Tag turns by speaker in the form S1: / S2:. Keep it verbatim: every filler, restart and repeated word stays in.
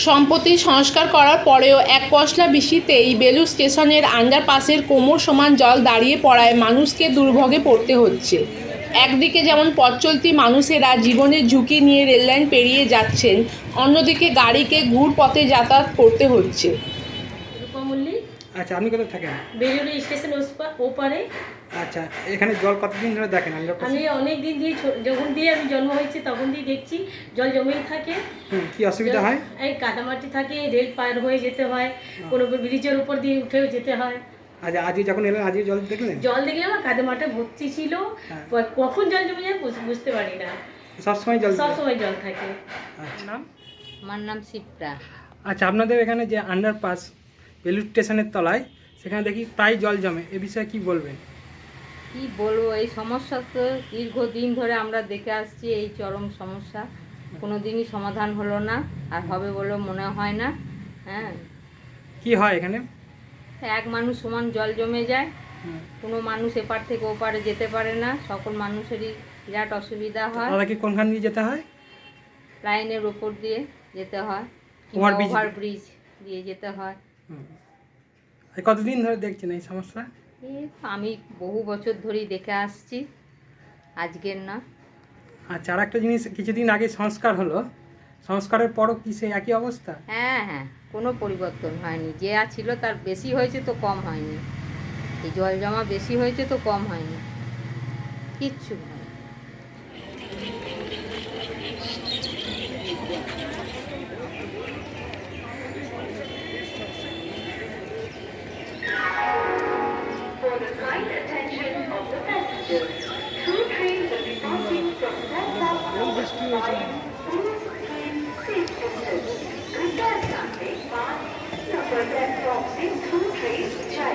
S1: সম্প্রতি সংস্কার করার পরেও এক পশলা বৃষ্টিতেই বেলুড় স্টেশনের আন্ডারপাসের কোমর সমান জল দাঁড়িয়ে পড়ায় মানুষকে দুর্ভোগে পড়তে হচ্ছে। একদিকে যেমন পথচলতি মানুষেরা জীবনের ঝুঁকি নিয়ে রেললাইন পেরিয়ে যাচ্ছেন, অন্যদিকে গাড়িকে ঘুরপথে যাতায়াত করতে হচ্ছে।
S2: রূপা মল্লিক।
S3: আচ্ছা, আপনি কোথায় থাকেন?
S2: বেলুড় স্টেশন ওসপা- ওপারে।
S3: আচ্ছা, এখানে জল কতদিন ধরে দেখেন?
S2: আমি অনেক দিন দিয়ে ছো- যখন দিয়ে আমি জন্ম হয়েছে তখন দিয়ে দেখছি জল জমেই থাকে।
S3: হুম, কি অসুবিধা হয়?
S2: এই কাদামাটি থাকে, রেল পার হয়ে যেতে হয়, কোনো ব্রিজের উপর দিয়ে উঠেও যেতে হয়।
S3: আচ্ছা, আজকে যখন এলেন আজকে জল দেখলেন?
S2: জল দেখলে আমার কাদামাটা ভর্তি ছিল,
S3: হ্যাঁ।
S2: কখন জল জমে যায় বুঝ- বুঝতে পারি না।
S3: সবসময় জল
S2: সব
S3: থাকে?
S2: সময় জল থাকে।
S3: আচ্ছা, নাম?
S4: আমার নাম শিপ্রা।
S3: আচ্ছা, আপনাদের এখানে যে আন্ডারপাস বেলুড় স্টেশনের তলায়, সেখানে দেখি প্রায় জল জমে, এ বিষয়ে কি বলবেন?
S4: কি বলবো, এই সমস্যা তো দীর্ঘদিন ধরে আমরা দেখে আসছি। এই চরম সমস্যা কোনো দিনই সমাধান হলো না, আর হবে বলে মনে হয় না। হ্যাঁ,
S3: কি হয় এখানে?
S4: এক মানুষ সমান জল জমে যায়,
S3: হুম।
S4: কোনো মানুষ এপার থেকে ওপারে যেতে পারে না, সকল মানুষেরই বিরাট অসুবিধা হয়।
S3: তাদেরকে কোনখান দিয়ে যেতে হয়?
S4: লাইনের ওপর দিয়ে যেতে হয়,
S3: Overbridge
S4: ওভার
S3: দিয়ে?
S4: ব্রিজ দিয়ে যেতে হয়।
S3: হুম। এই কতদিন ধরে দেখছেন এই সমস্যা?
S4: এই আমি বহু বছর ধরেই দেখে আসছি, আজকের না।
S3: আচ্ছা, আর একটা জিনিস, কিছুদিন আগে সংস্কার হলো, সংস্কারের পরও কি সেই একই অবস্থা?
S4: হ্যাঁ হ্যাঁ, কোনো পরিবর্তন হয়নি। যে আর ছিল তার বেশি হয়েছে তো কম হয়নি। এই জল জমা বেশি হয়েছে তো কম হয়নি, কিচ্ছু হয়নি।
S5: For the kind attention of the passengers, two trains will be passing from that platform by through train stations. कृपया ध्यान दें, पाँच नंबर प्लेटफॉर्म से two trains जाएगी।